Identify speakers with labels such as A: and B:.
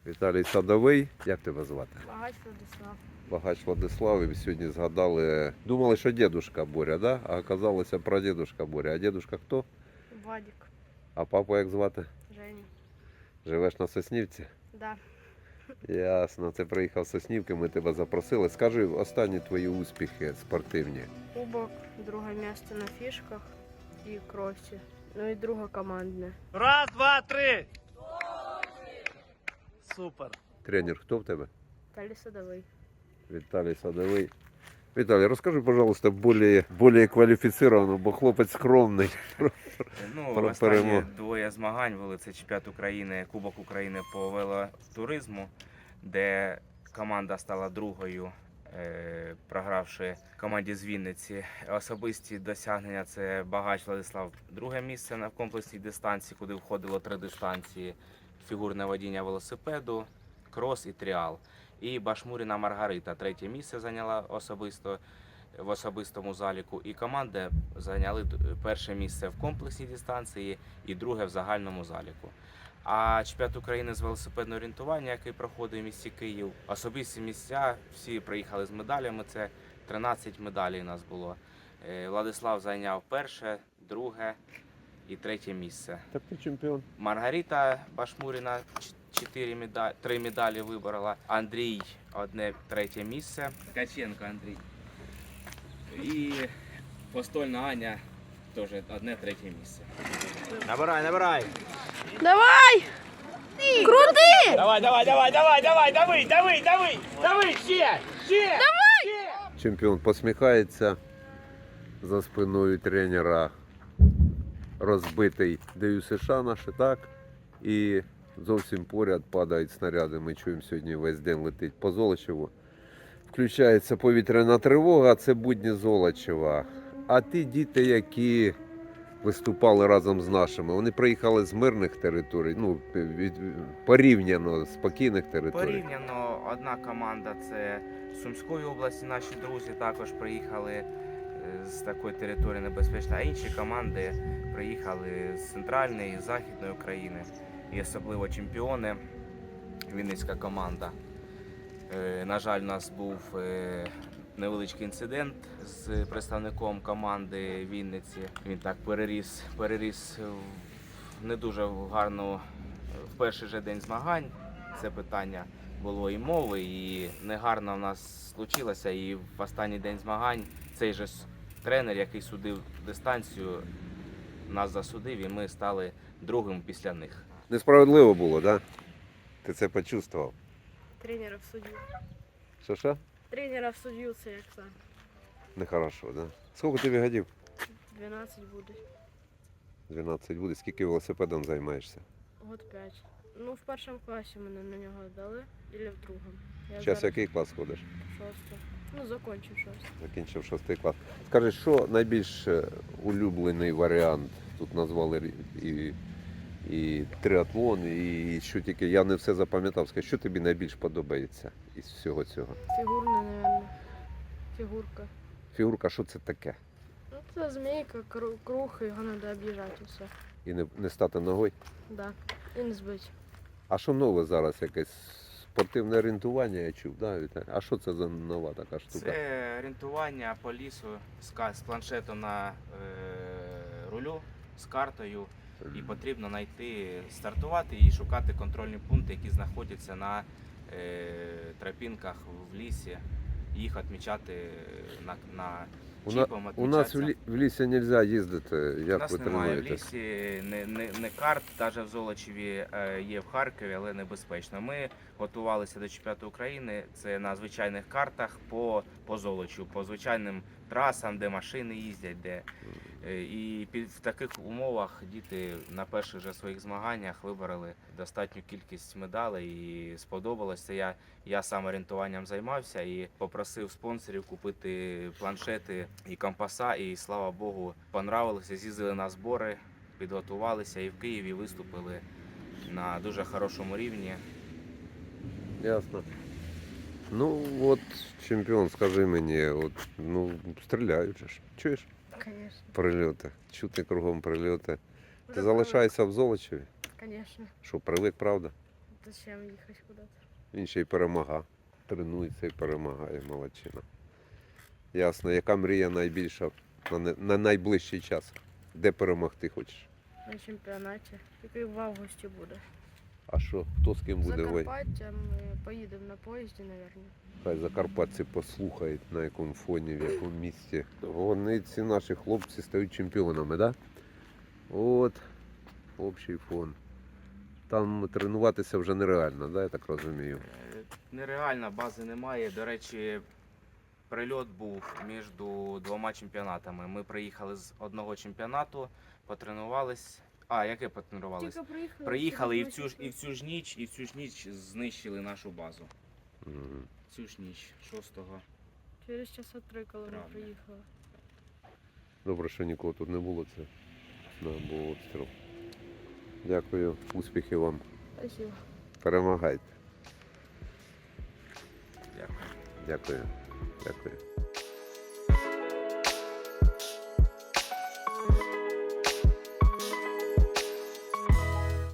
A: Віталій Садовий. Як тебе звати?
B: Багач Владислав.
A: Багач Владислав. І сьогодні згадали, думали, що дідушка Боря, да? А оказалося прадідушка Боря. А дідушка хто?
B: Вадик.
A: А папу як звати?
B: Женя.
A: Живеш на Соснівці?
B: Да.
A: Ясно, ти приїхав з Соснівки, ми тебе запросили. Скажи, останні твої успіхи спортивні.
B: Кубок, друге місце на фішках і кросі. Ну і друге командне.
C: Раз, два, три. Супер.
A: Тренер хто в тебе?
B: Віталій Садовий.
A: Віталій Садовий. Віталій, розкажи, пожалуйста, більш кваліфіцировано, бо хлопець скромний.
D: Ну,
A: Про
D: останні
A: перемогу.
D: двоє змагань були. Це чемпіонат України, Кубок України по велотуризму, де команда стала другою, програвши команді з Вінниці. Особисті досягнення – це Багач Владислав, друге місце на комплексній дистанції, куди входило 3 дистанції: фігурне водіння велосипеду, крос і тріал. І Башмуріна Маргарита третє місце зайняла особисто в особистому заліку, і команди зайняли перше місце в комплексній дистанції і друге в загальному заліку. А чемпіонат України з велосипедного орієнтування, який проходить в місті Київ, особисті місця, всі приїхали з медалями, це 13 медалей у нас було. Владислав зайняв перше, друге і третє місце.
A: Так ти чемпіон.
D: Маргарита Башмуріна 3 медалі виборола. Андрій одне третє місце. Ткаченко Андрій. І Постольна Аня теж одне третє місце.
C: Набирай, набирай.
B: Давай! Крути!
C: Давай, давай, давай, давай, давай, дави, дави, дави, дави, ще.
A: Чемпіон посміхається, за спиною тренера розбитий ДЮСШ наш, так? І зовсім поряд падають снаряди. Ми чуємо, сьогодні весь день летить по Золочеву. Включається повітряна тривога, це будні Золочева. А ті діти, які виступали разом з нашими, вони приїхали з мирних територій, ну, порівняно спокійних територій.
D: Порівняно одна команда це з Сумської області, наші друзі також приїхали з такої території небезпечної, а інші команди приїхали з центральної, з західної України. І особливо чемпіони, Вінницька команда. На жаль, у нас був невеличкий інцидент з представником команди Вінниці. Він так переріс в не дуже гарну в перший же день змагань. Це питання було і мови, і негарно в нас случилося. І в останній день змагань цей же тренер, який судив дистанцію, нас засудив, і ми стали другим після них.
A: Несправедливо було, так? Да? Ти це почувствував?
B: Тренера в суддю.
A: Що?
B: Тренера в суддю це як так.
A: Нехорошо, так? Да? Скільки тобі годів?
B: 12 буде.
A: 12 буде. Скільки велосипедом займаєшся?
B: Год 5. Ну, в першому класі мене на нього дали, або в другому. Я
A: Зараз який клас ходиш?
B: шостий. Ну, закончив шостий.
A: Закінчив 6 клас. Скажи, що найбільш улюблений варіант? Тут назвали і триатлон, і що тільки, я не все запам'ятав. Скажи, що тобі найбільш подобається із всього цього?
B: Фігурне, мабуть. Фігурка.
A: Фігурка, що це таке?
B: Ну, це змійка, круг, і його треба об'їжджати все.
A: І не стати ногою?
B: Да. І не збити.
A: А що нове зараз? Якесь спортивне орієнтування, я чув, да, Віталій? А що це за нова така штука?
D: Це орієнтування по лісу з планшетом на рулю, з картою. І потрібно стартувати і шукати контрольні пункти, які знаходяться на тропінках в лісі. Їх відмічати на чіпом.
A: У нас в лісі не можна їздити,
D: У
A: як
D: нас
A: ви
D: немає в
A: тренуєтесь?
D: лісі не карт, навіть в Золочеві є в Харкові, але небезпечно. Ми готувалися до чемпіонату України, це на звичайних картах по Золочу, по звичайним трасам, де машини їздять, і в таких умовах діти на перших же своїх змаганнях вибороли достатню кількість медалей і сподобалося. Я сам орієнтуванням займався і попросив спонсорів купити планшети і компаса, і слава Богу, понравилося, з'їздили на збори, підготувалися і в Києві виступили на дуже хорошому рівні.
A: Ясно. Ну от, чемпіон, скажи мені, от, ну, стріляють же ж. Чуєш?
B: Звісно.
A: Прильоти. Чути кругом прильоти. Ти залишаєшся в Золочеві?
B: Звісно.
A: Що, привик, правда?
B: Зачем їхати куди-то?
A: Він ще й перемагав. Тренується і перемагає, молодчина. Ясно, яка мрія найбільша на найближчий час? Де перемогти хочеш?
B: На чемпіонаті. Який в августі буде.
A: А що, хто з ким буде воювати?
B: Закарпаття ми поїдемо на поїзді, мабуть.
A: Хай закарпатці послухають, на якому фоні, в якому місці. Вони, ці наші хлопці, стають чемпіонами, так? Да? От, общий фон. Там тренуватися вже нереально, да, я так розумію.
D: Нереально, бази немає. До речі, прильот був між двома чемпіонатами. Ми приїхали з одного чемпіонату, потренувались. А, яке потренувались?
B: Тільки приїхали.
D: Приїхали і в цю ж ніч знищили нашу базу.
A: Мгм.
D: Цю ж ніч, 6-го.
B: Через часа 3, коли ми
D: Правда.
B: приїхали.
A: Добре, що нікого тут не було, це був обстріл. Дякую, успіхів вам.
B: Спасибо.
A: Перемагайте.
D: Дякую.
A: Дякую. Дякую.